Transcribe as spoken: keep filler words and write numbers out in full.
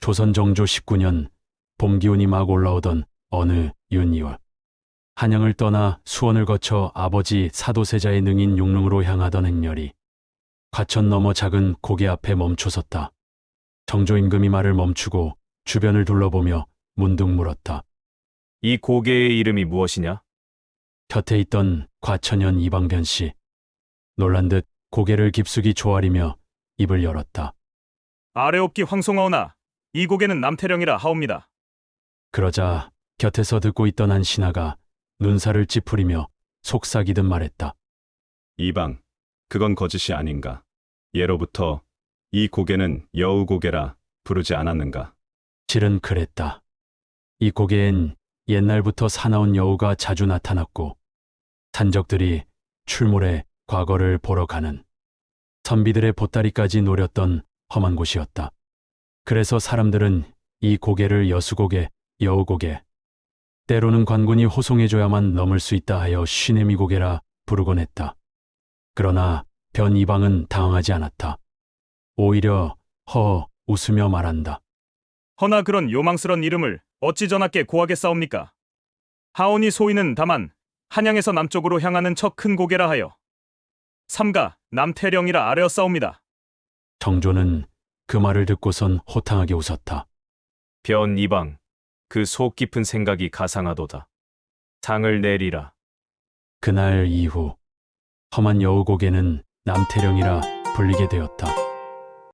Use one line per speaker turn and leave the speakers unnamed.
조선 정조 십구 년 봄 기운이 막 올라오던 어느 윤이월, 한양을 떠나 수원을 거쳐 아버지 사도세자의 능인 용릉으로 향하던 행렬이 과천 너머 작은 고개 앞에 멈춰섰다. 정조 임금이 말을 멈추고 주변을 둘러보며 문득 물었다.
이 고개의 이름이 무엇이냐?
곁에 있던 과천현 이방변 씨, 놀란 듯 고개를 깊숙이 조아리며 입을 열었다.
아래옵기 황송하오나 이 고개는 남태령이라 하옵니다.
그러자 곁에서 듣고 있던 한 신하가 눈살을 찌푸리며 속삭이듯 말했다.
이방, 그건 거짓이 아닌가. 예로부터 이 고개는 여우고개라 부르지 않았는가.
실은 그랬다. 이 고개엔 옛날부터 사나운 여우가 자주 나타났고 산적들이 출몰해 과거를 보러 가는, 선비들의 보따리까지 노렸던 험한 곳이었다. 그래서 사람들은 이 고개를 여수고개, 여우고개, 때로는 관군이 호송해줘야만 넘을 수 있다 하여 쉬내미 고개라 부르곤 했다. 그러나 변 이방은 당황하지 않았다. 오히려 허 웃으며 말한다.
허나 그런 요망스런 이름을 어찌 전하께 고하게 싸웁니까? 하오니 소인은 다만 한양에서 남쪽으로 향하는 저 큰 고개라 하여 삼가 남태령이라 아뢰어 싸웁니다.
정조는 그 말을 듣고선 호탕하게 웃었다.
변 이방, 그 속 깊은 생각이 가상하도다. 상을 내리라.
그날 이후 험한 여우고개는 남태령이라 불리게 되었다.